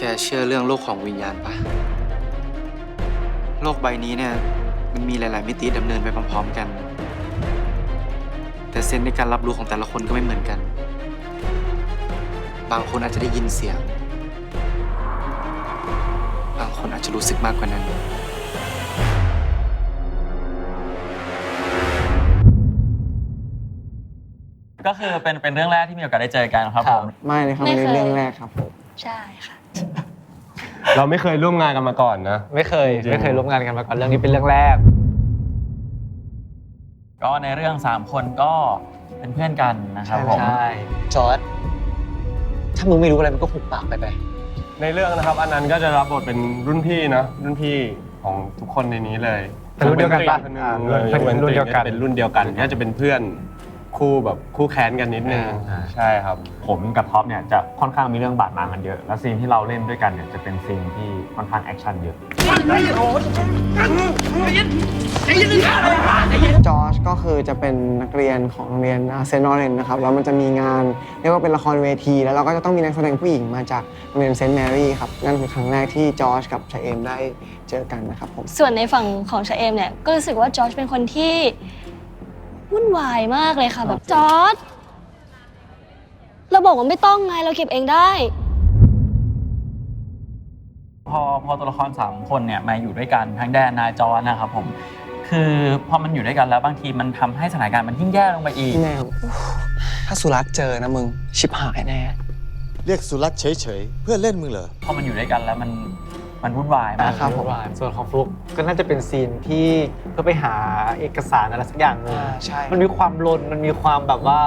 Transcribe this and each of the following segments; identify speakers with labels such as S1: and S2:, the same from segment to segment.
S1: เชื่อเรื่องโลกของวิญญาณปะโลกใบนี้เนี่ยมันมีหลายๆมิติดำเนินไปพร้อมๆกัน แต่เซนส์ในการรับรู้ของแต่ละคนก็ไม่เหมือนกัน บางคนอาจจะได้ยินเสียง บางคนอาจจะรู้สึกมากกว่านั้น
S2: ก็คือเป็นเรื่องแรกที่มีโอกาสได้เจอกันครับผม
S3: ไม่เลยครับในเรื่องแรกครับผม
S4: ใช่ค่ะ
S5: เราไม่เคยร่วมงานกันมาก่อนนะ
S3: ไม่เคยร่วมงานกันมาก่อนเรื่องนี้เป็นเรื่องแรก
S2: ก็ในเรื่อง3คนก็เป็นเพื่อนกันนะครับผม
S3: ใช่
S6: จอร์จถ้ามึงไม่รู้อะไรมึงก็หุบปากไป
S5: ในเรื่องนะครับอันนั้นก็จะรับบทเป็นรุ่นพี่นะรุ่นพี่ของทุกคนในนี้เลย
S3: เป็นรุ่นเดียวกันปะ
S5: เป็นรุ่นเดียวกันเป็นรุ่นเดียวกันก็จะเป็นเพื่อนคู่แบบคู่แค้นกันนิดนึงใช่ครับ
S7: ผมกับท็อปเนี่ยจะค่อนข้างมีเรื่องบาดหมางกันเยอะแล้วซีนที่เราเล่นด้วยกันเนี่ยจะเป็นซีนที่ค่อนข้างแอคชั่นเยอะ
S3: จอร์จก็คือจะเป็นนักเรียนของโรงเรียนเซนต์ลอเรนซ์นะครับแล้วมันจะมีงานเรียกว่าเป็นละครเวทีแล้วเราก็จะต้องมีนักแสดงผู้หญิงมาจากโรงเรียนเซนต์แมรี่ครับนั่นคือครั้งแรกที่จอร์จกับชาเอมได้เจอกันนะครับผม
S4: ส่วนในฝั่งของชาเอมเนี่ยก็รู้สึกว่าจอร์จเป็นคนที่วุ่นวายมากเลยค่ะแบบจอร์จเราบอกว่าไม่ต้องไงเราเก็บเองได้
S2: พอตัวละคร3คนเนี่ยมาอยู่ด้วยกันทั้งแดนนายจอร์จนะครับผมคือพอมันอยู่ด้วยกันแล้วบางทีมันทำให้สถานการณ์มันยิ่งแย่ลงไปอีก
S3: แน่
S6: ถ้าสุรัตน์เจอนะมึงชิบหายแน่
S8: เรียกสุรัตน์เฉยๆเพื่อเล่นมึงเหรอ
S2: พอมันอยู่ด้วยกันแล้วมันวุ่นวายมาก
S3: ครับผมส่วนของฟลุกก็น่าจะเป็นซีนที่เพื่อไปหาเอกสารอะไรสักอย่างนึง
S6: ใช่
S3: มันมีความลนมันมีความแบบว่า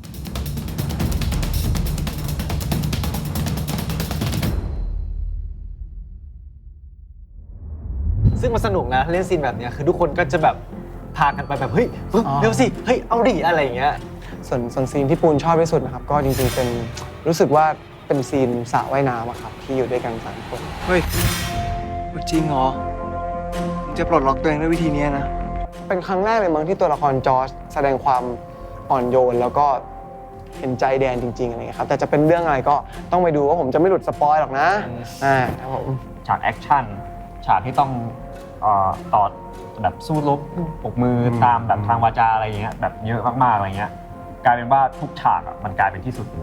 S3: ซึ่งมันสนุกนะเล่นซีนแบบเนี้ยคือทุกคนก็จะแบบพากันไปแบบเฮ้ยเร็วสิเฮ้ยเอาดิอะไรอย่างเงี้ยส่วนซีนที่ปูนชอบที่สุดนะครับก็จริงๆเป็นรู้สึกว่าเป็นซีนสระว่ายน้ำอะครับที่อยู่ด้วยกัน3คน
S1: เฮ้ย จริงเหรอมึงจะปลดล็อกตัวเองด้วยวิธีนี้นะ
S3: เป็นครั้งแรกเลยมั้งที่ตัวละครจอร์จแสดงความอ่อนโยนแล้วก็เห็นใจแดนจริงๆอะไรเงี้ยครับแต่จะเป็นเรื่องอะไรก็ต้องไปดูว่าผมจะไม่หลุดสปอยหรอกนะครับผม
S7: ฉากแอคชั่นฉากที่ต้องต่อแบบสู้รบปกมือตามแบบทางวาจาอะไรอย่างเงี้ยแบบเยอะมากๆอะไรเงี้ยกลายเป็นว่าทุกฉากอ่ะมันกลายเป็นที่สุดเลย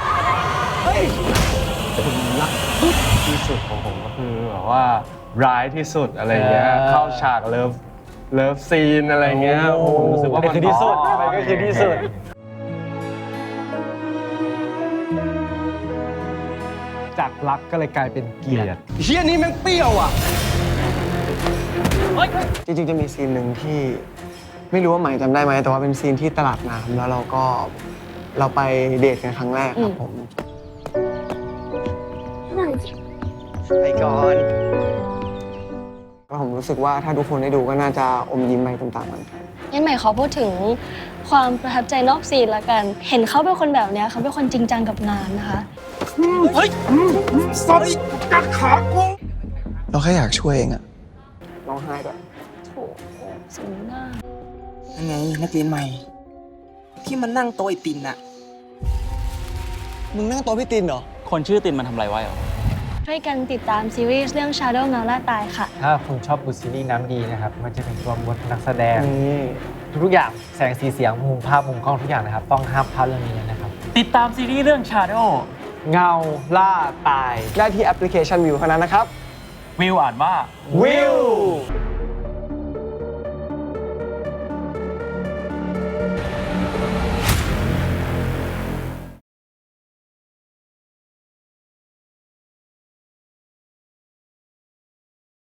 S5: ที่สุดของผมก็คือแบบว่าร้ายที่สุดอะไรเงี้ยเข้าฉากเลิฟซีนอะไรเงี้ยผมรู้สึกว่ามัน
S3: คือที่สุดมันก็คือที่สุดจากรักก็เลยกลายเป็นเกลียด
S5: เฮียนี่แม่งเปรี้ยวอ่ะ
S3: จริงๆจะมีซีนหนึ่งที่ไม่รู้ว่าใหม่จำได้ไหมแต่ว่าเป็นซีนที่ตลาดน้ำแล้วเราไปเดทกันครั้งแรกครับผม
S6: ไปก่อน
S3: แล้วผมรู้สึกว่าถ้าทุกคนได้ดูก็น่าจะอมยิ้มไปตามๆกัน
S4: งั้นใหม่ขอพูดถึงความประทับใจนอกซีนละกัน เห็นเขาเป็นคนแบบเนี้ยเขาเป็นคนจริงจังกับงานนะคะ
S6: เราแค่อยากช่วยเองอะ
S3: ร้องไห้ด้วย
S4: โถสมหน้า
S9: นั่นไงนักเรียนใหม่ ที่มันนั่งโต๊ะไอตินน่ะ
S6: มึงนั่งโต๊ะพี่ตินเหรอ
S2: คนชื่อตินมันทำอะไรไว้เหรอ
S4: ช่วยกันติดตามซีรีส์เรื่อง Shadow เงาล่าตายค่ะ
S3: ถ้าคุณชอบดูซีรีส์น้ำดีนะครับมันจะเป็นตัวบทนักแสดงทุกๆอย่างแสงสีเสียงมุมภาพมุมกล้องทุกอย่างนะครับต้องห้ามพลาดเรื่องนี้นะครับ
S2: ติดตามซีรีส์เรื่อง Shadow
S3: เงาล่าตายได้ที่แอปพลิเคชันวิวเท่านั้นนะครับ
S2: วิวอ่านว่า
S3: วิว